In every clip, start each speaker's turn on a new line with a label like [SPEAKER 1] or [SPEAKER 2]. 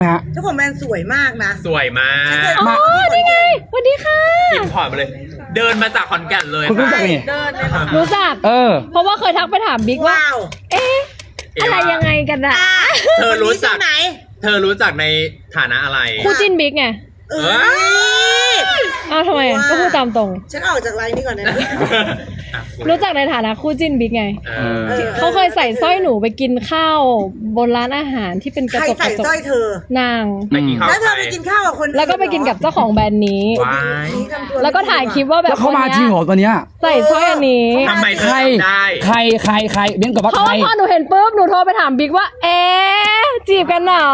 [SPEAKER 1] เจ้าของแบรนด์สวยมากนะ
[SPEAKER 2] สวยมาก
[SPEAKER 3] อ๋อนี่ไงสวัสดีค่ะ
[SPEAKER 2] อินพอร์ตมาเลย เดินมาจากขอนแก่นเลย
[SPEAKER 4] คุณรู้จักนี่
[SPEAKER 1] เดินเลยเหรอ
[SPEAKER 3] รู้จัก เพราะว่าเคยทักไปถามบิ๊กว่า
[SPEAKER 1] ว้าว
[SPEAKER 3] เอ๊ะ อะไรยังไงกันอะ
[SPEAKER 2] เธอรู้จัก
[SPEAKER 1] ไหน
[SPEAKER 2] เธอรู้จักในฐานะอะไร
[SPEAKER 3] คู่จิ้นบิ๊กไง
[SPEAKER 1] เอ้ย
[SPEAKER 3] อ้าวทำไมก็พูดตามตรง
[SPEAKER 1] ฉันออกจากไลน์นี้ก่อนนะ
[SPEAKER 3] รู้จักในฐานะคู่จิ้นบิ๊กไง เขาเคยใส่สร้อยหนูไปกินข้าวบนร้านอาหารที่เป็นกระ
[SPEAKER 1] ใคร
[SPEAKER 3] จกก
[SPEAKER 1] ใส่
[SPEAKER 3] ระจ
[SPEAKER 1] สร้อก ยเธอ
[SPEAKER 3] นาง
[SPEAKER 2] ไปกินข้าว
[SPEAKER 1] แล้วเธอไปกินข้าวกับคน
[SPEAKER 3] แล้วก็ไปกินกับเจ้าของแบรนด์นี้
[SPEAKER 2] ว้าย
[SPEAKER 3] แล้วก็ถ่ายคลิปว่าแบบ
[SPEAKER 4] แล้วเขามาจริงเหรอตัวเนี้ย
[SPEAKER 3] ใส่สร้อยอันนี้
[SPEAKER 2] ทำไมเธ
[SPEAKER 4] ใค
[SPEAKER 2] อ
[SPEAKER 4] ร
[SPEAKER 2] ทำได้
[SPEAKER 4] ใครเบ้นกับว่า
[SPEAKER 3] เพราะ
[SPEAKER 4] ใคร
[SPEAKER 3] ว่าพอหนูเห็นปุ๊บหนูโทรไปถามบิ๊กว่า เอ๊ะจีบกันเหรอ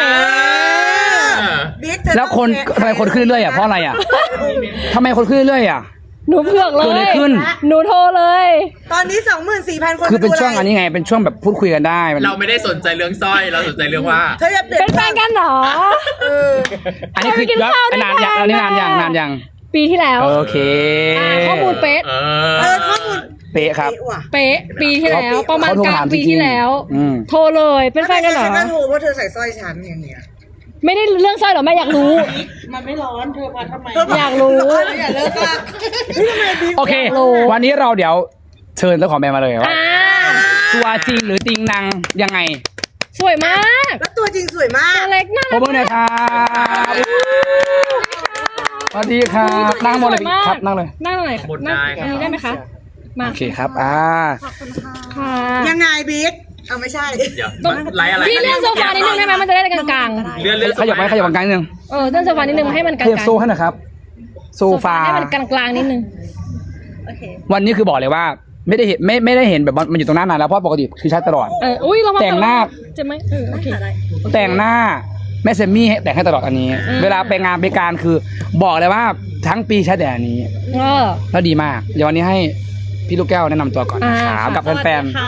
[SPEAKER 1] บิ๊กเธอ
[SPEAKER 4] แล้วคนทำไมคนขึ้นเรื่อยๆอ่ะเพราะอะไรอ่ะทำไมคนขึ้นเรื่อยๆอ่ะ
[SPEAKER 3] หนูเผือกเล
[SPEAKER 4] เกิดอะไร
[SPEAKER 3] ย
[SPEAKER 4] ขึ้น
[SPEAKER 3] หนูโทรเลย
[SPEAKER 1] ตอนนี้ 24,000 คน
[SPEAKER 4] คือเป็นช่วงอันนี้ไงเป็นช่วงแบบพูดคุยกันได้มัน
[SPEAKER 2] เราไม่ได้สนใจเรื่องสร้อย เราสนใจเรื่องว่า
[SPEAKER 1] เธออย่าเปลี่ย
[SPEAKER 3] เป็น นแฟนกันเหรอ
[SPEAKER 4] อันนี้คือ
[SPEAKER 3] ไปกินข้าวด้วย
[SPEAKER 4] นานยัง
[SPEAKER 3] กัน
[SPEAKER 4] อันนี้นานยัง
[SPEAKER 3] ปีที่แล้ว
[SPEAKER 4] โอเค
[SPEAKER 3] ข้อมูลเป๊ะ
[SPEAKER 1] ข้อมูล
[SPEAKER 4] เป๊ะครับ
[SPEAKER 1] ว่ะ
[SPEAKER 3] เป๊ะปีที่แล้วประมาณ
[SPEAKER 4] เขาโทร
[SPEAKER 3] กลา
[SPEAKER 4] ถาง ม
[SPEAKER 3] ปี
[SPEAKER 4] จริงๆ
[SPEAKER 3] ที่แล้ว
[SPEAKER 4] อืม
[SPEAKER 3] โทรเลยเป็นแฟนกันเหรอ
[SPEAKER 1] ฉันก็ถูกว่าเธอใส่สร้อยฉันอย่างเนี้ย
[SPEAKER 3] ไม่ได้เรื่องสร้อยหรอแม่อยากรู้
[SPEAKER 1] มันไม่ร้อนเธอมาทำไม
[SPEAKER 3] อยากรู้
[SPEAKER 1] อย่าเลิกละนี่ทำไมบิ๊ก
[SPEAKER 4] โอเค วันนี้เราเดี๋ยวเชิญเจ้าของแบรนด์มาเลยว่า
[SPEAKER 3] อ่า
[SPEAKER 4] ตัวจริงหรือจริงนางยังไง
[SPEAKER 3] สวยมาก
[SPEAKER 1] แล้วตัวจริงสวยมาก
[SPEAKER 3] ตัวเล็กน่า
[SPEAKER 4] ข
[SPEAKER 3] รั
[SPEAKER 4] อบคุณนะครับสวัสดีครับนั่งหมดเลยครับนั่งเลย
[SPEAKER 3] นั่งหน่อย
[SPEAKER 2] หมดได้ครับ
[SPEAKER 3] ได้ไหมคะมา
[SPEAKER 4] โอเคครับ
[SPEAKER 3] ค่ะ
[SPEAKER 1] ยังไงบิ๊กเอาไม่ใช่
[SPEAKER 2] เดี๋ยวไลฟ์อะไร
[SPEAKER 3] พี่เลื่อนโซฟานิดนึงได้ไหมมันจะได้กลาง
[SPEAKER 2] เลื่อน
[SPEAKER 4] ขยับไปขยับกลางนิดนึง
[SPEAKER 3] ๆเลื่อนโซฟานิดนึงให้มันก
[SPEAKER 4] ข
[SPEAKER 3] ลาง
[SPEAKER 4] ยับโซ่ให้หน่อยครับ โซฟา
[SPEAKER 3] ให้มันกลางๆนิดนึง
[SPEAKER 4] วันนี้คือบอกเลยว่าไม่ได้เห็นแบบมันอยู่ตรงหน้านานแล้วเพราะปกติคือใช้ตลอด
[SPEAKER 3] อุ้ยเรามา
[SPEAKER 4] แต่งหน้า
[SPEAKER 3] จะไหมโอเค
[SPEAKER 4] แต่งหน้าแม่เซมมี่ให้แต่งให้ตลอดอันนี้ เวลาไปงานไปการคือบอกเลยว่าทั้งปีใช้แต่อันนี้ แล้วดีมาก เดี๋ยววันนี้ให้พี่ลูกแก้วแนะนำตัวก่อนนะครับกับแฟนๆ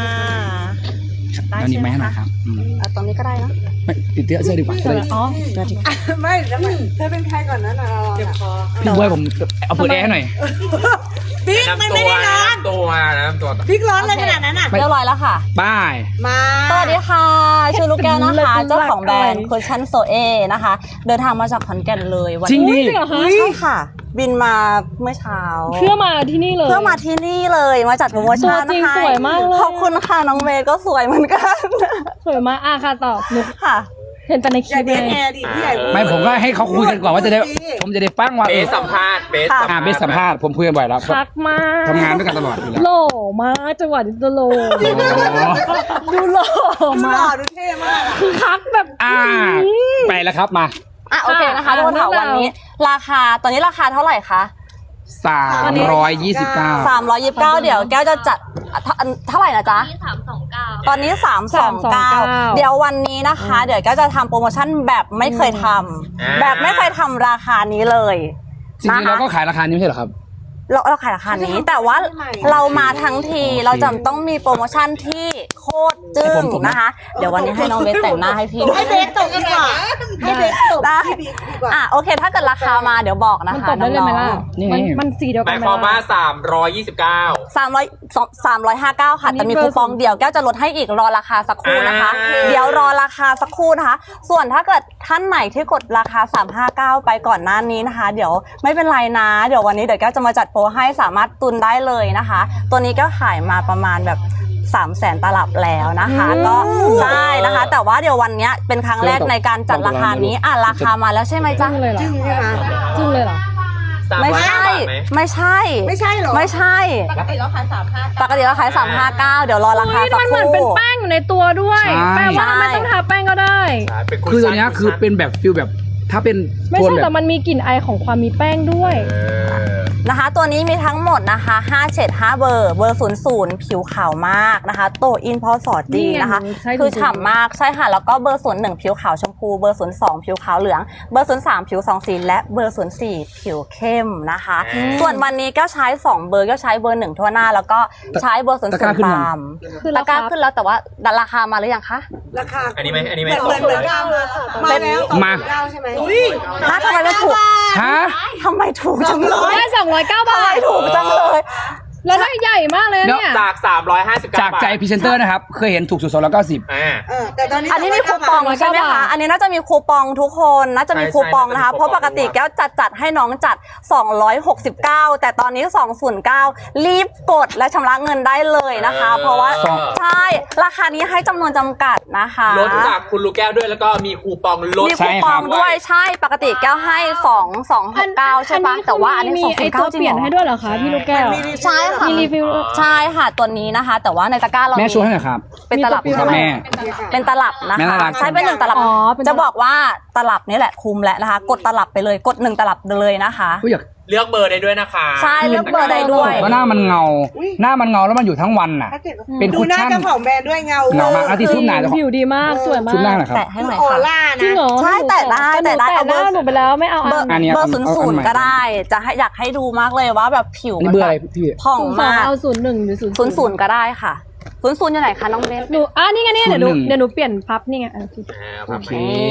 [SPEAKER 4] ตอนนี้ไม่ให้หน่อยครับ
[SPEAKER 5] ตอนนี้ก็ได้นะ
[SPEAKER 4] ไม่ติดเสื้อดีกว่าจะได้
[SPEAKER 3] อ๋อ
[SPEAKER 1] ไม่แล้วเธอเป็นใครก่อนนะเราเจ็บคอ
[SPEAKER 4] พี่บวยผมเอาเปิดแอร์ให้หน่อย
[SPEAKER 1] บิ๊กมันไม่ได้ร้อน
[SPEAKER 2] น้ำตัว
[SPEAKER 1] บิ๊กร้อนเลยขนาดนั้นอ่ะ
[SPEAKER 5] เรียบร้อยแล้วค่ะ
[SPEAKER 4] ป้าย
[SPEAKER 1] มา
[SPEAKER 5] สวัสดีค่ะ ชื่อลูกแก้วนะคะ เจ้าของแบรนด์คุชชั่นโซเอนะคะ เดินทางมาจากขอนแก่นเลยวัน
[SPEAKER 4] จริง
[SPEAKER 5] นี้
[SPEAKER 4] ดิ
[SPEAKER 3] จริงเหรอคะ
[SPEAKER 5] ใช่ค่ะ บินมาเมื่อเช้า
[SPEAKER 3] เพื่อมาที่นี่เลย
[SPEAKER 5] เพื่อมาที่นี่เลยมาจัดโปรโมชั่น
[SPEAKER 3] ตัวจริง
[SPEAKER 5] นะคะ
[SPEAKER 3] สวยมากเลย
[SPEAKER 5] ขอบคุณค่ะน้องเวย์ก็สวยเหมือนกัน
[SPEAKER 3] สวยมากค่ะตอบหนู
[SPEAKER 5] ค่ะ
[SPEAKER 3] เห็นแต่ในค
[SPEAKER 1] อย่า
[SPEAKER 3] ลิป
[SPEAKER 1] เด
[SPEAKER 3] เล
[SPEAKER 1] ท
[SPEAKER 3] ย
[SPEAKER 1] แอร์ดิพี่ใหญ่พูด
[SPEAKER 4] ไม่ผมก็ให้เขาคุยกันก่อนว่าจะได้ผมจะได้ฟังว่า
[SPEAKER 2] เบสสัมภาษณ์เบส
[SPEAKER 4] เบสสัมภาษณ์ผมคุยกันบ่อยแล้ว
[SPEAKER 3] คักมาก
[SPEAKER 4] ทำงานด้วยกันตลอดอยู่แล้ว
[SPEAKER 3] หล่อมากจังหวะนี้ตัวโลดูหล่อ
[SPEAKER 1] ดูห
[SPEAKER 3] มา
[SPEAKER 1] ล่อก ดูเท่มากอะ
[SPEAKER 3] คือคักแบบ
[SPEAKER 4] ไปแล้วครับมา
[SPEAKER 5] โอเคนะคะทุกคนค่ะวันนี้ ราคาตอนนี้ราคาเท่าไหร่คะ
[SPEAKER 4] 329
[SPEAKER 5] 329เดี๋ยวแก้วจะจัดเท่าไหร่นะจ๊ะตอนนี้ 329 เดี๋ยววันนี้นะคะ เดี๋ยวแก้วจะทำโปรโมชั่นแบบไม่เคยทำแบบไม่เคยทำราคานี้เลย
[SPEAKER 4] จริงๆเราก็ขายราคานี้ไม่ใช่เหรอครับ
[SPEAKER 5] เราขายราคานี้ แต่ว่าเรามาทั้งทีเราจะต้องมีโปรโมชั่นที่โคตรจึ้งนะคะ เดี๋ยววันนี้ให้น้องเบสแต่งหน้าให้พี่
[SPEAKER 1] ให้เบสตกดีกว่าให้เบสตก
[SPEAKER 5] ได้
[SPEAKER 1] พี่บิ๊กดีกว่า
[SPEAKER 5] โอเค ถ้าเกิดราคามาเดี๋ยวบอกนะ
[SPEAKER 3] มัน
[SPEAKER 5] คะ
[SPEAKER 3] ตบได้เลยไหมล่ะ
[SPEAKER 4] นี่ไง
[SPEAKER 3] มันสีเดียว
[SPEAKER 2] ห
[SPEAKER 3] กั
[SPEAKER 2] มาน ย
[SPEAKER 3] ไหม
[SPEAKER 2] ความว่า
[SPEAKER 3] ล่ะ
[SPEAKER 2] 329
[SPEAKER 5] 359ค่ะแต่มีคูปองเดียวแก้วจะลดให้อีกรอราคาสักครู่นะคะ เดี๋ยวรอราคาสักครู่นะคะ ส่วนถ้าเกิดท่านไหนที่กดราคา359ไปก่อนหน้านี้นะคะ เดี๋ยวไม่เป็นไรนะ เดี๋ยววันนี้เดี๋ยวแก้วจะมาจัดโปรให้สามารถตุนได้เลยนะคะ ตัวนี้ก็ขายมาประมาณแบบ300,000 ตลับแล้วนะคะก็ใช่นะคะ แต่ว่าเดี๋ยววันนี้เป็นครั้งแรกในการจัดราคานี้ราคามาแล้วใช่ไหมจ๊ะ
[SPEAKER 3] จึ้งเลยเหรอ
[SPEAKER 1] จึ้งใช่ไหม
[SPEAKER 3] จึ้งเลยเหรอ
[SPEAKER 5] ไม่ใช่ ไม่ใช่
[SPEAKER 1] ไม่ใช่เหรอ
[SPEAKER 5] ไม่ใช่ปกติเราขาย359เดี๋ยวรอราคาสัก
[SPEAKER 3] มัน
[SPEAKER 5] ค
[SPEAKER 3] เหมือนเป็น
[SPEAKER 5] รู่
[SPEAKER 3] แป้งอยู่ในตัวด้วย
[SPEAKER 4] ใช่
[SPEAKER 3] แปลว่าไม่ต้องทาแป้งก็ได้
[SPEAKER 4] คือตัวเนี้ยคือเป็นแบบฟิลแบบถ้าเป็น
[SPEAKER 3] ไม่
[SPEAKER 4] โทน
[SPEAKER 3] ใช่
[SPEAKER 4] แบ
[SPEAKER 3] แต่
[SPEAKER 4] บ
[SPEAKER 3] มันมีกลิ่นไอของความมีแป้งด้วย
[SPEAKER 5] นะคะตัวนี้มีทั้งหมดนะคะ5เฉด5เบอร์00ผิวขาวมากนะคะโตอินพอสอดดีนะคะ
[SPEAKER 3] นี่ไงใช่
[SPEAKER 5] คือฉ่ำมากใช่ค่ะแล้วก็เบอร์01ผิวขาวชมพูเบอร์02ผิวขาวเหลืองเบอร์03ผิว2สีและเบอร์04ผิวเข้มนะคะส่วนวันนี้ก็ใช้2เบอร์ก็ใช้เบอร์1ทั่วหน้าแล้วก็ใช้เบอร์00
[SPEAKER 4] ตะกร้าขึ้นยัง
[SPEAKER 5] ตามตะกร้าขึ้นแล้วแต่ว่าราคามาหรือยังคะ
[SPEAKER 1] ราคา
[SPEAKER 2] อันนี้ไหม
[SPEAKER 1] เหมือนเก้ามาแล้ว
[SPEAKER 4] มา
[SPEAKER 1] เก้าใช่ไหม
[SPEAKER 5] ถ้าทำไมไม่ถูก
[SPEAKER 4] ฮะ
[SPEAKER 5] ทำไมถูกจังเลย
[SPEAKER 3] ได้209 บาท
[SPEAKER 5] ถูกจังเลย
[SPEAKER 3] แล้วได้ใหญ่มากเลยนะเนี่ย
[SPEAKER 2] จาก 359
[SPEAKER 4] จากใจพรีเซนเตอร์นะครับ เคยเห็นถูกสุด290
[SPEAKER 1] แต่ตอนนี้
[SPEAKER 5] อันนี้มีคูปองใช่ไหมคะ อันนี้น่าจะมีคูปองทุกคนน่าจะมีคูปองนะคะ เพราะปกติแก้วจัดให้น้องจัด 269 แต่ตอนนี้ 209 รีบกดและชำระเงินได้เลยนะคะ เพราะว่าใช่ราคานี้ให้จำนวนจำกัดนะคะ
[SPEAKER 2] ลดจากคุณลูกแก้วด้วยแล้วก็มีคูปองลด
[SPEAKER 5] มีคูปองด้วยใช่ปกติแก้วให้269ใช่ปะแต่ว่าอันนี้
[SPEAKER 3] มีไอตัว
[SPEAKER 5] 209จริ
[SPEAKER 3] เปลี่ย
[SPEAKER 5] ง
[SPEAKER 3] น
[SPEAKER 5] เหร
[SPEAKER 3] ให้
[SPEAKER 5] อ
[SPEAKER 3] ด้วยเหรอคะพี่ลูกแก้ว
[SPEAKER 5] ใช่ค่ะ
[SPEAKER 3] มีรีวิว
[SPEAKER 5] ใช่ค่ะตัวนี้นะคะ แต่ว่าในตะกร้าเรา
[SPEAKER 4] แม่โชว์ให้หน่อยครับ
[SPEAKER 5] เป็นตลับใช่ไหม
[SPEAKER 4] แม่
[SPEAKER 5] เป็นตลับนะ
[SPEAKER 4] แม่
[SPEAKER 5] คะ
[SPEAKER 4] น่ารัก
[SPEAKER 5] ใช้เป็น1ตลับ
[SPEAKER 3] อ๋อเป็นตลับ
[SPEAKER 5] จะบอกว่าตลับนี่แหละคุมแล้วนะคะ กดตลับไปเลยกด1ตลับเลยนะคะ
[SPEAKER 4] อุ๊ยอยาก
[SPEAKER 2] เลือกเบอร์ได้ด้วยนะคะ
[SPEAKER 5] ใช่เลือกเบอร์ได้ด้วย
[SPEAKER 4] ว่าหน้ามันเงา หน้ามันเงาแล้วมันอยู่ทั้งวันน่ะ เป็น
[SPEAKER 1] ดู
[SPEAKER 4] คุช
[SPEAKER 1] หน้า
[SPEAKER 4] ชั่น
[SPEAKER 1] เจ้าของแบรนด์ด้วยเงา
[SPEAKER 4] เงามากเอาที่ซุปหนาเจ้าของ
[SPEAKER 3] ผิวดีมากสวยมาก
[SPEAKER 4] ซุปหน้าหน่อยครับ
[SPEAKER 5] แตะให้หน่อย
[SPEAKER 1] ออ
[SPEAKER 5] ค่ะ
[SPEAKER 1] ร่า
[SPEAKER 3] จริ
[SPEAKER 1] นะ
[SPEAKER 3] งเหรอ
[SPEAKER 5] ใช่แต่ได้
[SPEAKER 3] แต่หนู
[SPEAKER 5] เอา
[SPEAKER 3] แต่ห
[SPEAKER 5] เบอ
[SPEAKER 3] น้า
[SPEAKER 5] ร์
[SPEAKER 3] หนูไปแล้วไม่เอา
[SPEAKER 5] เบอร์
[SPEAKER 4] อันนี้
[SPEAKER 5] เบอร์
[SPEAKER 4] เอาอัน
[SPEAKER 5] ศูนย์
[SPEAKER 4] ใหม่
[SPEAKER 5] ก็ได้จะให้อยากให้ดูมากเลยว่าแบบผิว
[SPEAKER 4] นี่
[SPEAKER 5] มัน
[SPEAKER 4] เบอร์
[SPEAKER 5] แบ
[SPEAKER 4] อะไร
[SPEAKER 5] บ
[SPEAKER 4] พี่
[SPEAKER 5] ผ่อง
[SPEAKER 3] 02
[SPEAKER 5] มาก
[SPEAKER 3] เอา01หรือ00
[SPEAKER 5] 00ก็ได้ค่ะ00อยู่ไหนคะน้องเบส
[SPEAKER 3] หนูนี่ไงเนี่ยเดี๋ยวหนู
[SPEAKER 4] 01
[SPEAKER 3] เดี๋ยวหนูเปลี่ยนพับนี่ไงโอเค
[SPEAKER 4] โอเค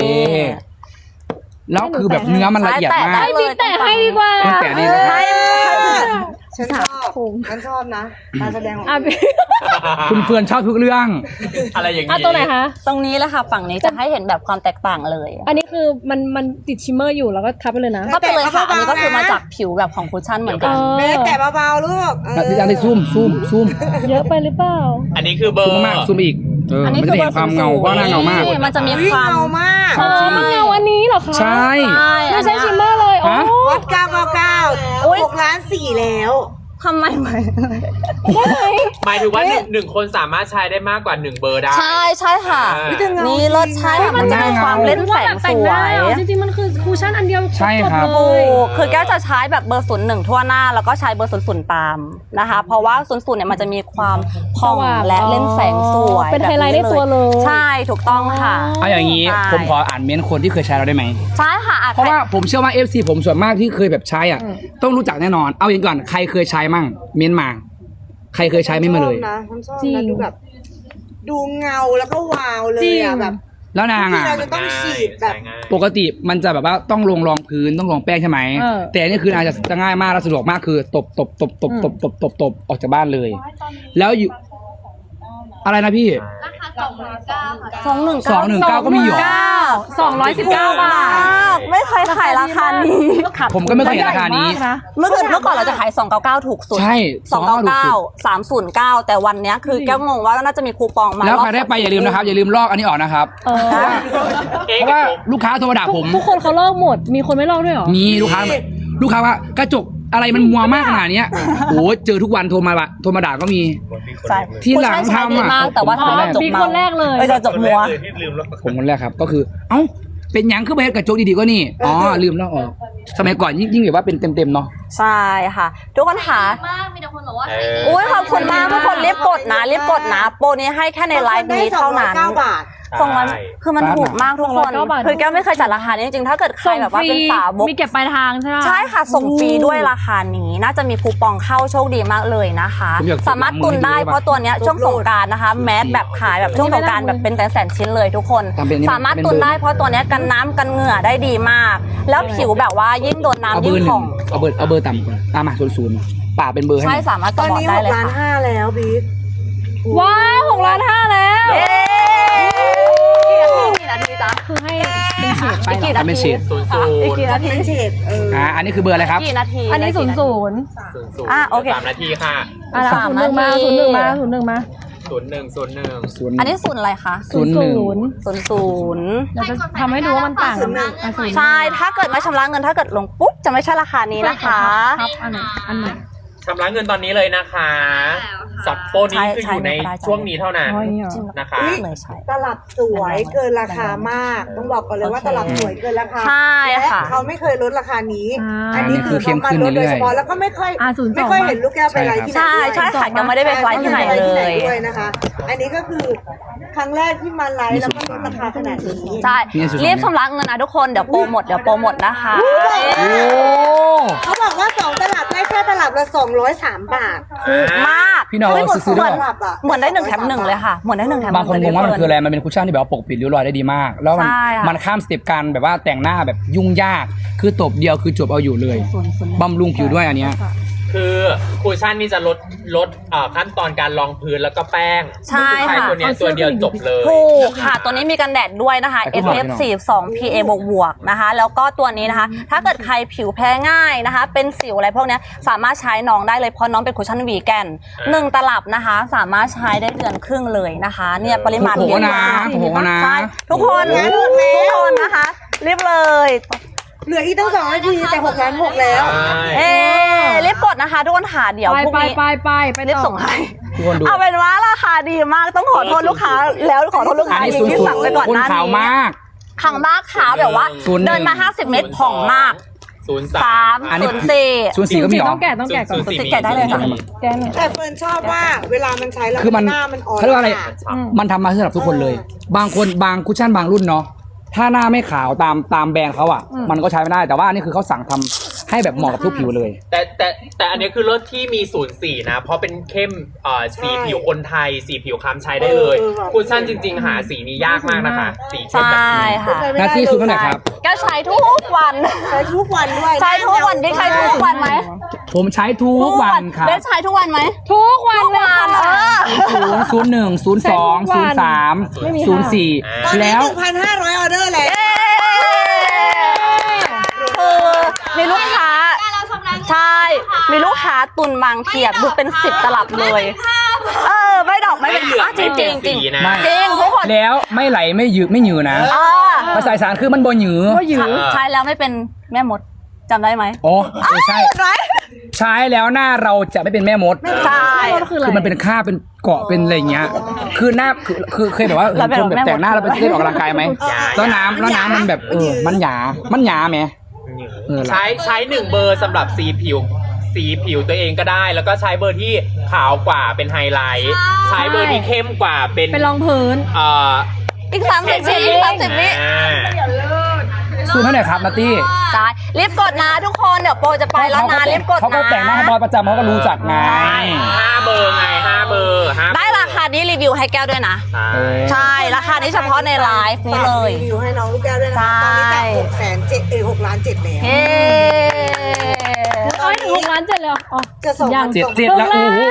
[SPEAKER 4] แล้วคือแบบเนื้อมันละเอียดมาก
[SPEAKER 5] ได้
[SPEAKER 3] ให้บิ๊กแต่ให้ดีกว่า
[SPEAKER 4] บิ๊กแต่ดีนะครับ
[SPEAKER 1] ฉันชอบนะการแสดงของ
[SPEAKER 3] อ่ะ
[SPEAKER 4] คุณเฟื่อนชอบทุกเรื่อง
[SPEAKER 2] อะไรอย่าง
[SPEAKER 3] อ่ะ
[SPEAKER 2] นี้
[SPEAKER 3] ตัวไหนคะ
[SPEAKER 5] ตรงนี้แหละค่ะฝั่งนี้จะให้เห็นแบบความแตกต่างเลย
[SPEAKER 3] อันนี้คือมันติดชิมเมอร์อยู่แล้วก็ทับไปเลยนะ
[SPEAKER 5] ก็เป็นเลยค่ะอันนี้ก็คือมาจากผิวแบบของคุชชั่นเหมือนกัน
[SPEAKER 1] เบสแต่เบาๆลูก
[SPEAKER 4] พี่จันได้ซูม
[SPEAKER 3] เยอะไปหรือเปล่า
[SPEAKER 2] อันนี้คือเบอ
[SPEAKER 4] ซูม
[SPEAKER 2] ร์
[SPEAKER 4] มากซูมอีกมันจะได้เห็นความเงาเพราะหน้าเงามาก
[SPEAKER 5] มันจะมี
[SPEAKER 1] วิ่
[SPEAKER 5] ค
[SPEAKER 1] ง
[SPEAKER 5] วาม
[SPEAKER 1] เงามาก
[SPEAKER 3] อ๋อมาเอาอันนี้เหรอคะ
[SPEAKER 4] ใช่
[SPEAKER 3] ไม่ใช่ชิมเมอร์เลยโอ้
[SPEAKER 4] ฮะ
[SPEAKER 1] วัด999 6ล้าน4แล้ว
[SPEAKER 5] ทำไมไหม
[SPEAKER 3] ได้ไหม
[SPEAKER 2] หมายถึงว่าหนึ่งคนสามารถใช้ได้มากกว่า1เบอร์ได้
[SPEAKER 5] ใช่ค่ะ นี่รสชาติมันจะมีความเล่นแสงส
[SPEAKER 3] แต่งห
[SPEAKER 5] ว
[SPEAKER 3] น้าย จริงๆมันคือคูชั่นอันเดียว
[SPEAKER 4] ใช่ครับ
[SPEAKER 3] จเล
[SPEAKER 5] ถู
[SPEAKER 3] ย
[SPEAKER 5] กคือแก้วจะใช้แบบเบอร์01ทั่วหน้าแล้วก็ใช้เบอร์00ตามนะคะ เพราะว่า00เนี่ยมันจะมีความผ่องและเล่นแสงสวย
[SPEAKER 3] เป็นไฮไลท์ในตัวเลย
[SPEAKER 5] ใช่ถูกต้องค่ะ
[SPEAKER 4] เอาอย่างนี้
[SPEAKER 5] ใช่
[SPEAKER 4] ผมขออ่านเม้นต์คนที่เคยใช้เราได้ไหม
[SPEAKER 5] ใช่ค่ะอ่ะ
[SPEAKER 4] เพราะว่าผมเชื่อว่า FC ผมส่วนมากที่เคยแบบใช้อ่ะ ต้องรู้จักแน่นอน เอาอย่างก่อนใครเคยใช้มั่งเม้นต์มา ใครเคยใช้ไม่มาเลย
[SPEAKER 1] ผมชอบ
[SPEAKER 3] จริง
[SPEAKER 1] นะดูแบบ ดูเงาแล้วก็วาวเลย
[SPEAKER 3] จริง
[SPEAKER 1] อะแบบ
[SPEAKER 4] แล้วนาง
[SPEAKER 1] ที่
[SPEAKER 4] อ่ะ
[SPEAKER 1] เราจะต้องฉีดแบบ
[SPEAKER 2] ใช้ง่าย
[SPEAKER 4] ปกติมันจะแบบว่าต้องลงรองพื้นต้องลงแป้งใช่ไหม
[SPEAKER 3] เออ
[SPEAKER 4] แต่อันนี่คือนางจะง่ายมากและสะดวกมากคือตบออกจากบ้านเลย แล้วอยู่อะไรนะพี่ 219ก็มีอยู่
[SPEAKER 3] 219 บาท
[SPEAKER 5] ไม่เคยขายราคานี้
[SPEAKER 4] ผมก็ไม่เคยเห็นราคานี้
[SPEAKER 5] เมื่อก่อนเราจะขาย299ถูกสุด
[SPEAKER 4] ใช่299
[SPEAKER 5] 309แต่วันเนี้ยคือแก้วงงว่าน่าจะมีคูปองมา
[SPEAKER 4] แล้วใครได้ไปอย่าลืมนะครับ อย่าลืมลอกอันนี้ออกนะครับ
[SPEAKER 3] เออ
[SPEAKER 4] เพราะว่าลูกค้าโทรมาด่าผม
[SPEAKER 3] ทุกคนเขาลอกหมด มีคนไม่ลอกด้วยเหรอ
[SPEAKER 4] มีลูกค้าว่ากระจกอะไรมันมัวมากขนาดเนี้ยโอ้เจอทุกวันโทรมาด่าก็มี
[SPEAKER 5] ใช่
[SPEAKER 4] ที่หลังทำอ่ะ
[SPEAKER 5] ผู้ชายใช้ดีมากแต่ว่า
[SPEAKER 3] อ๋อ
[SPEAKER 5] ทำให้จบ
[SPEAKER 3] บิ๊ก
[SPEAKER 5] เมา
[SPEAKER 3] คนแรกเลย
[SPEAKER 5] จะจบมัว
[SPEAKER 4] ผมคนแรกครับก็คือ เอ้าเป็นหยังคือไปเฮ็ดกระจกดีๆก็นี่อ๋อลืมแล้วอ๋อสมัยก่อนยิ่งแบบว่าเป็นเต็มๆเนาะ
[SPEAKER 5] ใช่ค่ะ ทุกคนค่ะ
[SPEAKER 6] มากมีแต่คนบอกว่า
[SPEAKER 5] อุ้ยขอบคุณมากทุกคนรีบกดนะรีบกดนะ โปรนี้ให้แค่ในไลฟ์นี้เท่านั้น
[SPEAKER 1] 209 บาท
[SPEAKER 5] ส่งมันคือมันถูกมากทุกคน
[SPEAKER 3] 209 บาท
[SPEAKER 5] คือแก้วไม่เคยจัดราคานี้จริงๆถ้าเกิดใครแบบว่าเป็นสาวก
[SPEAKER 3] มีเก็บปลายทางใช่ไหม
[SPEAKER 5] ใช่ค่ะ ส่งฟรีด้วยราคานี้น่าจะมีคูปองเข้าโชคดีมากเลยนะคะ
[SPEAKER 4] ผมอยาก
[SPEAKER 5] สามารถตุนได้เพราะตัวเนี้ยช่วงสงกรานต์นะคะ แมสแบบขายแบบช่วงสงกรานต์แบบเป็นแสนๆชิ้นเลยทุกคน
[SPEAKER 4] ทำเป็นนี่
[SPEAKER 5] สามารถตุนได้เพราะตัวเนี้ยกันน้ำกันเหงื่อได้ดีมาก แล้วผิวแบบว่ายิ่งโดน
[SPEAKER 4] เอา
[SPEAKER 5] น้ำ
[SPEAKER 4] เบ
[SPEAKER 5] ยิ่
[SPEAKER 4] อง ร์ห
[SPEAKER 5] ผ่
[SPEAKER 4] นึ่
[SPEAKER 5] อง ง
[SPEAKER 4] เอาเบอร์ต่ำก่อนมา00ป่าเป็นเบอร์ให้ห
[SPEAKER 5] ใช่
[SPEAKER 4] น่อย
[SPEAKER 5] สามารถ
[SPEAKER 1] ต
[SPEAKER 5] ก
[SPEAKER 1] อน
[SPEAKER 5] ระบอก
[SPEAKER 1] นี้
[SPEAKER 5] ได้เลย
[SPEAKER 1] 6ล้าน
[SPEAKER 5] ค่ะ
[SPEAKER 1] 5แล้วบิ๊ก
[SPEAKER 3] ว้าว6 ล้าน 5แล้ว
[SPEAKER 5] เย้กี่นาทีจ๊ะ
[SPEAKER 3] คือให้เป็นเฉดไป
[SPEAKER 5] อีกกี่
[SPEAKER 3] เหรอ
[SPEAKER 5] นา
[SPEAKER 4] เป็น
[SPEAKER 5] ที
[SPEAKER 4] เฉด
[SPEAKER 5] อีกกี่นาที
[SPEAKER 1] เป็นเฉด
[SPEAKER 4] อันนี้คือเบอร์อะไรครับ
[SPEAKER 5] กี่นาที
[SPEAKER 3] อันนี้ 00
[SPEAKER 5] อ่ะโอเค
[SPEAKER 2] 3 นาทีค่ะ
[SPEAKER 3] อ่ะ
[SPEAKER 5] 3
[SPEAKER 3] 01 มา
[SPEAKER 5] นาที
[SPEAKER 3] 01 มา 01 มา
[SPEAKER 2] 01
[SPEAKER 5] อันนี้ศูนย์อะไรคะ
[SPEAKER 3] 00
[SPEAKER 5] ศูนย์
[SPEAKER 3] เราจะทำให้ดูว่ามันต่างกันไหมอ่ะ0
[SPEAKER 5] ใช่ถ้าเกิดไม่ชำระเงินถ้าเกิดลงปุ๊บจะไม่ใช่ราคานี้นะคะ
[SPEAKER 3] ครับอันไหน
[SPEAKER 2] ชำระเงินตอนนี้เลยนะคะสับโปรนี้คืออยู่ในช่วงนี้เท่านั้น
[SPEAKER 3] อ๋ออย่างนี้เหรอ
[SPEAKER 2] นะคะ
[SPEAKER 5] เลยใช่
[SPEAKER 1] ตลับสวยเกินราคามาก ต้องบอกก่อนเลยว่าตลับสวยเกินราคา
[SPEAKER 5] ใช่
[SPEAKER 1] และ
[SPEAKER 5] ค่ะ
[SPEAKER 1] เขาไม่เคยลดราคานี้
[SPEAKER 3] อั
[SPEAKER 1] นนี้คือเขามาลดโดยเฉพาะแล้วก็ไม่ค่อย
[SPEAKER 3] 02
[SPEAKER 1] ไม่ค่อยเห็นลูกแก้วไปไลฟ์ที่ไหน
[SPEAKER 5] ใช่ใช่ค่ะยังไม่ได้ไปไลฟ์ที่ไหนเล
[SPEAKER 1] ที่ไหน
[SPEAKER 5] ย
[SPEAKER 1] ด้วยนะคะ อันนี้ก็คือครั้งแรกที่มาไลฟ์แล้วก็ลดราคาขนาดนี้
[SPEAKER 5] ใช่รีบชำระเงินนะทุกคนเดี๋ยวโปรหมดนะคะ
[SPEAKER 4] โอ้
[SPEAKER 1] เขาบอกว่า2ตลับได้แค่ตลับละ203 บาท
[SPEAKER 5] ถูกมาก
[SPEAKER 4] พี่น้อง
[SPEAKER 5] เฮ้ย
[SPEAKER 4] ซื้อ
[SPEAKER 5] เห
[SPEAKER 4] ด้
[SPEAKER 5] มื
[SPEAKER 4] ว
[SPEAKER 5] อย นเหมือนได้1 แถม 1เลยค่ะเหมือนได้1 แถม
[SPEAKER 4] บางคนงงว่ามันคืออะไร มันเป็นคุชชั่นที่แบบว่าปกปิดริ้วรอยได้ดีมาก แล้วมัน
[SPEAKER 5] ใช่ค่ะ
[SPEAKER 4] มันข้ามสเต็ปการแบบว่าแต่งหน้าแบบยุ่งยาก คือตบเดียวคือจบเอาอยู่เลยบำรุงผิวด้วยอันเนี้ย
[SPEAKER 2] คือคูชั่นนี่จะลดขั้นตอนการรองพื้นแล้วก็แป้ง
[SPEAKER 5] ใช่
[SPEAKER 2] ใช้
[SPEAKER 5] ค่ะ
[SPEAKER 2] ตัวเนี้ยตัวเดียวจบเลย
[SPEAKER 5] ถูกค่ะ ตัวนี้มีกันแดดด้วยนะคะ SPF 42 PA บวกๆนะคะ แล้วก็ตัวนี้นะคะ ถ้าเกิดใครผิวแพ้ง่ายนะคะ เป็นสิวอะไรพวกเนี้ยสามารถใช้น้องได้เลยเพราะน้องเป็นคุชชั่นวีแกน1 ตลับนะคะ สามารถใช้ได้เดือนครึ่งเลยนะคะ เนี่ยปริมาณ
[SPEAKER 4] โอ้โหนะโอ้โหนะ
[SPEAKER 5] ใช่ทุกคนนะคะรีบเลย
[SPEAKER 1] เหลืออีกตั้ง2 นาทีแต่6 ล้าน6แล้ว
[SPEAKER 5] รีบกดนะคะทุกคนหาเดี๋ยวพรุ่งนี้
[SPEAKER 3] ไป
[SPEAKER 5] รีบ
[SPEAKER 3] ต่อ
[SPEAKER 5] ส่งให้
[SPEAKER 4] ทุกคนดู
[SPEAKER 5] เอาเป็นว่าราคาดีมากต้องขอโทษลูกค้าแล้วขอโทษลูก
[SPEAKER 4] อัน
[SPEAKER 5] ค้า
[SPEAKER 4] นี้
[SPEAKER 5] อีก
[SPEAKER 4] สุด
[SPEAKER 5] ที่สั่งไปก่อน
[SPEAKER 4] ๆคุณ
[SPEAKER 5] หน้า
[SPEAKER 4] ขาว
[SPEAKER 5] นี้
[SPEAKER 4] มาก
[SPEAKER 5] ขังมากขาวแบบว่า
[SPEAKER 4] 01
[SPEAKER 5] เดินมา50 เมตรผ่องมาก
[SPEAKER 2] 03
[SPEAKER 4] อันนี้
[SPEAKER 5] 3
[SPEAKER 4] ศูนย์สี่ก็มีเหรอ
[SPEAKER 3] ต้องแกะก่อน
[SPEAKER 5] 04แกะได้เลยค่ะ
[SPEAKER 3] แกะหน่อย
[SPEAKER 1] แต่เฟิร์นชอบว่าเวลามันใช้แล้ว
[SPEAKER 4] คือมัน
[SPEAKER 1] หน้ามันอ่อน
[SPEAKER 4] เขาเรียกว่าอะไร
[SPEAKER 3] อืม
[SPEAKER 4] มันทำมาสำหรับทุกคนเลย บางคนบางคุชชั่นบางรุ่นเนาะถ้าหน้าไม่ขาวตามแบรนด์เขาอ่ะ มันก็ใช้ไม่ได้แต่ว่าอันนี้คือเขาสั่งทำให้แบบเหมาะกับทุกผิวเลย
[SPEAKER 2] แต่อันนี้คือรถที่มี04นะเพราะเป็นเข้มสีผิวคนไทยสีผิวคล้ำใช้ได้เลยคูชั่นจริงๆหาสีนี้ยากมากนะคะสีเข้ม
[SPEAKER 5] ใช่
[SPEAKER 2] แบบนี้
[SPEAKER 5] ค่ะ
[SPEAKER 1] ไม่
[SPEAKER 4] หน้า
[SPEAKER 1] ได้
[SPEAKER 4] ที่สุดเท่าไหร่ครับ
[SPEAKER 5] แกใช้ทุกวัน
[SPEAKER 1] ใช้ทุกวันด้วย
[SPEAKER 5] ใช้ทุกวันได้ใช้ทุกวันไหม
[SPEAKER 4] ผมใช้ทุกวันครับ
[SPEAKER 5] ได้ใช้ทุกวันไหม
[SPEAKER 3] ทุกวันเลยค่ะ
[SPEAKER 4] 01 02 03
[SPEAKER 3] ไม่มีค่ะ
[SPEAKER 4] 04
[SPEAKER 1] ตอนนี้
[SPEAKER 4] แล้ว
[SPEAKER 1] 1,500 ออเดอร์แล้ว
[SPEAKER 5] คือมีลูกค้าใช่มีลูกค้าตุนบางเทียบดูเป็น10 ตลับเลยไม่ดอกไม่เป็น
[SPEAKER 2] ไม่เหลือง
[SPEAKER 5] จริง
[SPEAKER 2] ไม่เปลี่ยน
[SPEAKER 5] จริง
[SPEAKER 2] สีนะ
[SPEAKER 4] ไม่
[SPEAKER 5] จริงทุกคน
[SPEAKER 4] แล้วไม่ไหลไม่หยืดไม่หยืดนะภาษาอีสานคือมันบ่หยืด
[SPEAKER 3] ก็หยือ
[SPEAKER 5] ใช้แล้วไม่เป็นแม่มดจำได้ไหม
[SPEAKER 4] อ๋อใช่
[SPEAKER 5] ไหม
[SPEAKER 4] ใช้แล้วหน้าเราจะไม่เป็นแม่มด
[SPEAKER 5] ใช่
[SPEAKER 3] ก็คืออะไร
[SPEAKER 4] คือมันเป็นค่าเป็นเกาะเป็นอะไรอย่างเงี้ย คือหน้าคือเคยแบบว่า
[SPEAKER 5] เราเป็น
[SPEAKER 4] คนแบบ
[SPEAKER 5] แม่มด
[SPEAKER 4] แต่งหน้าเราไปเล่นออกกำลังกายไหม แล้วน้ำมันแบบมันหยาไหม
[SPEAKER 2] ใช้1 เบอร์สำหรับสีผิวตัวเองก็ได้ แล้วก็ใช้เบอร์ที่ขาวกว่าเป็นไฮไลท์ใช้เบอร์ที่เข้มกว่าเป็น
[SPEAKER 3] ไปรองพื้น
[SPEAKER 5] อีก30 วิ30 วิ
[SPEAKER 4] ซูมให้หน่อยครับนัตตี้
[SPEAKER 5] ใช่รีบกดนะทุกคนเดี๋ยวโปรจะไปแล้วนะรีบกดนะ
[SPEAKER 4] เขาก็แต่งหน้าให้บอยประจำเขาก็รู้จักไง
[SPEAKER 2] 5 เบอร์ไง5 เบอร์5
[SPEAKER 5] ได้ราคานี้รีวิวให้แก้วด้วยนะ ใช่ราคานี้เฉพาะในไลฟ์นี้เลย
[SPEAKER 1] รีวิวให้น้องลูกแก้วด้วยนะคะตอนนี้จาก6 ล้าน 7แล้ว
[SPEAKER 5] เฮ้
[SPEAKER 3] เอ้ยถึง6 ล้าน 7เลยเหรออ๋อ
[SPEAKER 1] จะส่ง
[SPEAKER 3] ยัง
[SPEAKER 4] 7แล้วโอ้โห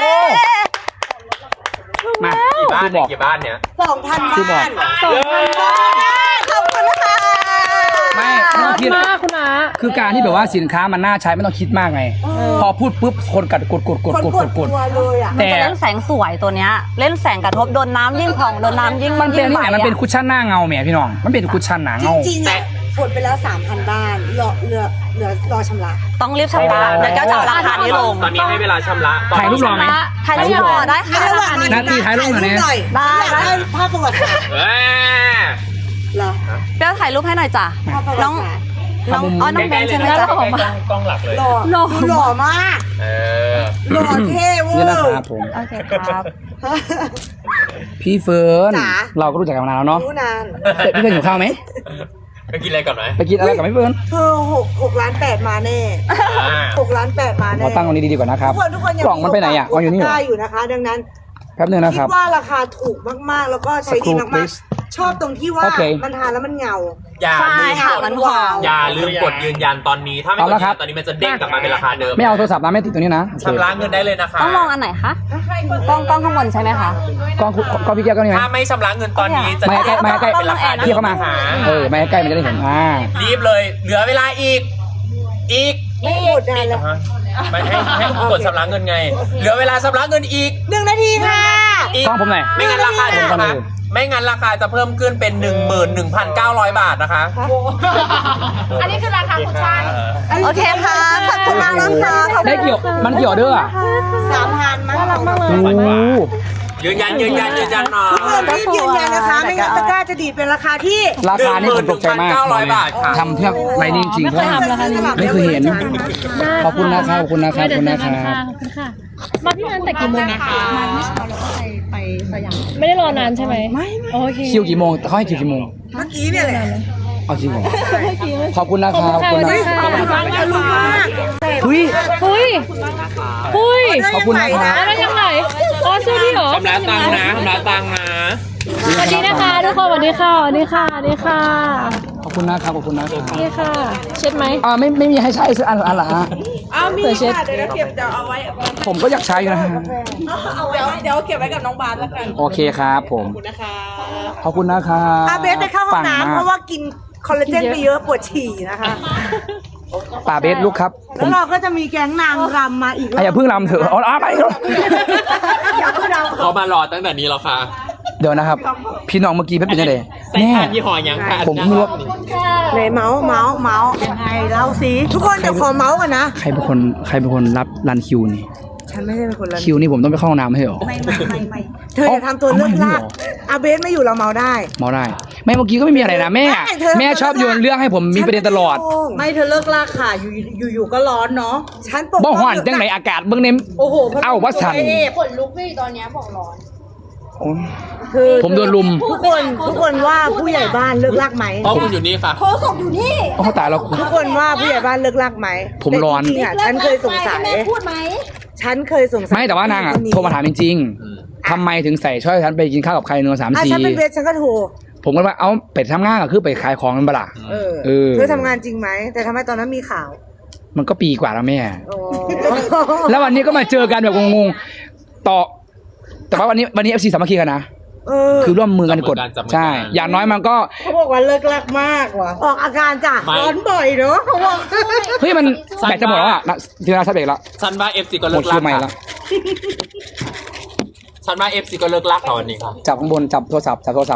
[SPEAKER 4] มา
[SPEAKER 2] กี่บ้านเนี่ย
[SPEAKER 1] 2,000 บ้าน
[SPEAKER 5] ขอบคุณนะคะ
[SPEAKER 4] ไม่ต้องคิด
[SPEAKER 3] มากคุณอา
[SPEAKER 4] คือการที่แบบว่าสินค้ามันน่าใช้ไม่ต้องคิดมากไง พอพูดปุ๊บคนกด
[SPEAKER 1] คนกดตัวเลยอ่ะ
[SPEAKER 4] แต่
[SPEAKER 5] จะเล่นแสงสวยตัวเนี้ยเล่นแสงกระทบโดนน้ำยิ่งผ่องโดนน้ำยิ่ง
[SPEAKER 4] มันเป็นนี่
[SPEAKER 5] ใส
[SPEAKER 4] ไงมันเป็นคุชชั่นหน้าเงาแหมพี่น้อง มันเป็นคุชชั่นหนา
[SPEAKER 1] จ
[SPEAKER 4] เงา
[SPEAKER 1] ริงๆอ่ะกดไปแล้ว 3,000 บ้านรอชำระ
[SPEAKER 5] ต้องรีบชำระเดี๋ยวแก้วจะเอาราคานี้ลง
[SPEAKER 2] ตอนนี้ให้เวลาชำระ
[SPEAKER 4] ถ่ายรูปรอไหม
[SPEAKER 5] ใครที่รอได้ค่ะ
[SPEAKER 1] ระหว่างนี้
[SPEAKER 4] นาทีถ่ายรูปหน่อยนะ
[SPEAKER 5] ได้
[SPEAKER 1] อยากได้ภาพประวัติศาสตร์
[SPEAKER 2] เอ้ย
[SPEAKER 1] เหรอ
[SPEAKER 5] แก้วถ่ายรูปให้หน่อยจ้ะ
[SPEAKER 1] ภาพประวั
[SPEAKER 5] น้อง
[SPEAKER 1] ติศาสตร์
[SPEAKER 5] น้องอ๋อน้องแบงค์ใช่ไหม
[SPEAKER 2] ใกล้
[SPEAKER 5] จ๊ะ
[SPEAKER 2] ๆกล้องหลักเลย
[SPEAKER 1] หล่อมาก
[SPEAKER 2] เออ
[SPEAKER 1] หล่อเท่เวอ
[SPEAKER 4] นี่นะ
[SPEAKER 1] ร์
[SPEAKER 4] ครับผม
[SPEAKER 5] โอเคครับ
[SPEAKER 4] พี่เฟิร์น
[SPEAKER 1] จ๋า
[SPEAKER 4] เราก็รู้จักกันมานานแล้วเนาะ
[SPEAKER 1] รู้นาน
[SPEAKER 4] พี่เฟิร์นอยู่ข้าวไหม
[SPEAKER 2] ไปกินอะไรก่อนไหม
[SPEAKER 4] ไปกินอะไรกับพี่เฟิร์น
[SPEAKER 1] เธอ6 ล้าน 8มาแน่6 ล้าน 8มาแน่
[SPEAKER 4] เราตั้งตรงนี้ดีๆก่อนนะครับ
[SPEAKER 1] ทุกคนยัง
[SPEAKER 4] กล่องมันไปไหนอ่ะวางอยู่นี่เหรอ
[SPEAKER 1] ได้อยู่นะคะ ดังนั้น
[SPEAKER 4] แป๊บนึงนะค
[SPEAKER 1] คิ
[SPEAKER 4] รับ
[SPEAKER 1] ดว่าราคาถูกมากๆ แล้วก็ใช้ดี
[SPEAKER 4] สักครู่
[SPEAKER 1] มาก
[SPEAKER 4] please
[SPEAKER 1] ๆ ชอบตรงที่ว่า
[SPEAKER 4] โอเค
[SPEAKER 1] มันทานแล้วมันเงา
[SPEAKER 2] อย่า
[SPEAKER 5] ใช่
[SPEAKER 2] ลืม
[SPEAKER 5] ค่ะ
[SPEAKER 2] กด
[SPEAKER 5] มันหอม
[SPEAKER 2] อย่าลืมกดยืนยันตอนนี้ ถ้าไม่กด
[SPEAKER 4] เอา
[SPEAKER 2] ยื
[SPEAKER 4] ละ
[SPEAKER 2] น
[SPEAKER 4] ครั
[SPEAKER 2] ยั
[SPEAKER 4] บ
[SPEAKER 2] นตอนนี้มันจะเด้งกลับมาเป็นราคาเดิม
[SPEAKER 4] ไม่เอาโทรศัพท์นะไม่ติดตรงนี้นะโอเค
[SPEAKER 2] ชำระเงินได้เลยนะคะ
[SPEAKER 5] ต้องมองอันไหนคะกล้องข้างบนใช่ไหมคะ
[SPEAKER 4] กล้องพี่แก้วก็นี่ไหม
[SPEAKER 2] ถ้าไม่ชำระเงินตอนนี้จะ
[SPEAKER 4] ไม่ใกล้ไม่ใกล้
[SPEAKER 2] เป็นราคา
[SPEAKER 4] พี่เข้ามา
[SPEAKER 2] ห
[SPEAKER 4] ไม่ใกล้มันจะได้เห็น
[SPEAKER 2] รีบเลย เหลือเวลาอีก
[SPEAKER 1] ไม่หมดนานแล้ว
[SPEAKER 2] ไม่ให้กดชำระเงินไง เหลือเวลาชำระเงินอีก
[SPEAKER 1] 1 นาทีค่ะ
[SPEAKER 2] อีก
[SPEAKER 4] กล้องผมหน่อย
[SPEAKER 2] ไม่งั้นราคาจะนะคะไม่งั้นราคาจะเพิ่มขึ้นเป็น 11,900 บาทนะคะ
[SPEAKER 3] อันนี้คือราคาคุชชั่น
[SPEAKER 5] โอเคค่ะขอบคุณมากนะคะขอบคุณ
[SPEAKER 4] ได้เกี่ยวมันเกี่ยวเด้ออ่ะ
[SPEAKER 1] 3,000มั้ง
[SPEAKER 4] โอ้โห
[SPEAKER 2] ยืนยันหน่อย
[SPEAKER 1] ทุกคนรีบยืนยันนะคะ ไม่งั้นตะกร้าจะดีดเป็นราคาที่
[SPEAKER 4] ราคานี่ผมตกใจมาก
[SPEAKER 2] 11,900 บาทค่ะ
[SPEAKER 4] ทำเพื่อไรนี่จริงๆเพราะ
[SPEAKER 3] ไม่เคยทำราคานี้
[SPEAKER 4] ไม่เคยเห็น ขอบคุณนะครับขอบคุณนะครับ
[SPEAKER 3] ไม่เดี๋ยว
[SPEAKER 4] ขอบคุณนะครับ
[SPEAKER 3] ขอบคุณค่ะ มาพี่นันแต่กี่โมงนะคะมาเมื่อเช้าเราก็ไปสยามไม่ได้รอนานใช่ไหมไม่โอเค
[SPEAKER 4] คิวกี่โมงเขาให้คิวกี่โมง
[SPEAKER 1] เมื่อกี้เนี่ยแหละ
[SPEAKER 4] เอาจริงเหรอขอบคุณนะครับขอบคุณนะ
[SPEAKER 1] อร่อยมาก
[SPEAKER 4] เฮ้ย
[SPEAKER 3] หุ้ยหุ้ย
[SPEAKER 4] ขอบคุณนะครับ
[SPEAKER 3] แล้วยังไงอ๋อซื้อที่เหรอ
[SPEAKER 2] ชำระตังค์นะชำระตังค์นะ
[SPEAKER 3] สวัสดีนะคะทุกคนสวัสดีค่ะสวัสดีค่ะสวัสดีค่ะ
[SPEAKER 4] ขอบคุณนะครับขอบคุณนะครับ
[SPEAKER 3] นี่ค่ะ เช็ดไหม
[SPEAKER 4] ไม่มีให้ใช้สักอันละฮะ
[SPEAKER 5] มี
[SPEAKER 3] เผื่อเช็ด
[SPEAKER 5] ค่ะเดี๋ยวเราเก็บเดี๋ยวเอาไว้
[SPEAKER 4] ผมก็อยากใช้อยู่นะฮะ
[SPEAKER 5] เดี๋ยวเก็บไว้กับน้องบาสแล้วกัน
[SPEAKER 4] โอเคครับผม
[SPEAKER 5] ขอบคุณนะคะ
[SPEAKER 4] ขอบคุณนะครับ
[SPEAKER 1] อาเบสไปเข้าห้องน้ำเพราะว่ากินคอลลาเจนไปเยอะปวดฉี่นะคะ
[SPEAKER 4] ป่าเบสลูกครับผ
[SPEAKER 1] แล้ว
[SPEAKER 4] ม
[SPEAKER 1] เราก็จะมีแก๊งนางรำมาอีก
[SPEAKER 4] อย่าเพิ่งรำเถอะเอาไป
[SPEAKER 1] อย่าเพิ่งรำ
[SPEAKER 2] เขามารอตั้งแต่นี้แล้วค่ะ
[SPEAKER 4] เดี๋ยวนะครับ พี่น้องเมื่อกี้เป็นยังไง
[SPEAKER 2] ใส่ทานยี่ห้อยังค่ะ
[SPEAKER 4] ผมเพิ่งรู้ว่า
[SPEAKER 1] ไหนเมาส์ยังไงเล่าสิทุกคนเดี๋ยวขอเมาส์กันนะ
[SPEAKER 4] ใครเป็นคนรับรันคิวนี่
[SPEAKER 1] ฉันไม่ใช่เป็นคนละ
[SPEAKER 4] คิวนี่ผมต้องไปเข้าห้องน้ำให้เหรอ
[SPEAKER 1] ไม่เธออย่าทำตัวเลิกลากอาเบสไม่อยู่เราเมาได้
[SPEAKER 4] เมาได้ไม่เมื่อกี้ก็ไม่มีอะไรนะแม่
[SPEAKER 1] ไม่เธอ
[SPEAKER 4] แม่ชอบโยนเรื่องให้ผมมีประเด็นตลอด
[SPEAKER 1] ไม่เธอเลิกลากค่ะอยู่ก็ร้อนเนาะฉันปก
[SPEAKER 4] บ่ห่อนจังไหนอากาศเบื้องเน้ม
[SPEAKER 1] โอ้โห
[SPEAKER 4] เอ้าว่าสั่น
[SPEAKER 3] ขนลุกเลยตอนนี้บอกร้อน
[SPEAKER 1] คือ
[SPEAKER 4] ผมโดนลุม
[SPEAKER 1] ทุกคนว่าผู้ใหญ่บ้านเลิกลากไหม
[SPEAKER 2] เพราะคุณอยู่นี่ค่ะ
[SPEAKER 5] โทรศพอยู่นี่
[SPEAKER 4] โอ้ตายแล้ว
[SPEAKER 1] ทุกคนว่าผู้ใหญ่บ้านเลิกลากไหม
[SPEAKER 4] ผมร้อน
[SPEAKER 1] แต่จริงๆอ่ะฉันเคยสงสัย
[SPEAKER 5] พูดไหม
[SPEAKER 1] ฉันเคยสงสัย
[SPEAKER 4] ไม่แต่ว่านางอ่ะโทรมาถามจริงๆทำไมถึงใส่ช่วยฉันไปกินข้าวกับใครเนื้อ3-4
[SPEAKER 1] ฉันเป็นเวทฉันก็โทร
[SPEAKER 4] ผมก็ว่าเอาไปทำงานก็คือไปขายของมันเปล่า เออ
[SPEAKER 1] เธอทำงานจริงไหมแต่ทำไมตอนนั้นมีข่าว
[SPEAKER 4] มันก็ปีกว่าแล้วแม่
[SPEAKER 1] โอ้
[SPEAKER 4] แล้ววันนี้ก็มาเจอกันแบบงงๆต่อ แต่ว่าวันนี้ FC สามัคคีกันนะ คือร่วมมือกันกด
[SPEAKER 2] จับมือกัน
[SPEAKER 4] ใช่ อย่างน้อยมันก็
[SPEAKER 1] เขาบอกว่าเลิกลักมากว่ะออกอาการจ้ะ
[SPEAKER 2] ไม่
[SPEAKER 1] ร้อนบ่อยเนอะเขาบอก
[SPEAKER 4] เฮ้ยมันแบตจะหมดแล้วอ่ะทีนาชัดเบรกแล้ว
[SPEAKER 2] ฉันว่า FC ก็
[SPEAKER 4] หม
[SPEAKER 2] เลิ
[SPEAKER 4] ด
[SPEAKER 2] ก
[SPEAKER 4] คิ
[SPEAKER 2] ลั
[SPEAKER 4] ว
[SPEAKER 2] ก
[SPEAKER 4] ใหม่
[SPEAKER 2] ค่ะ
[SPEAKER 4] แล้ว
[SPEAKER 2] ฉันว่า FC ก็เลิกลักค่ะวันนี้ค่ะ
[SPEAKER 4] จับข้างบนจับโทรศัพท์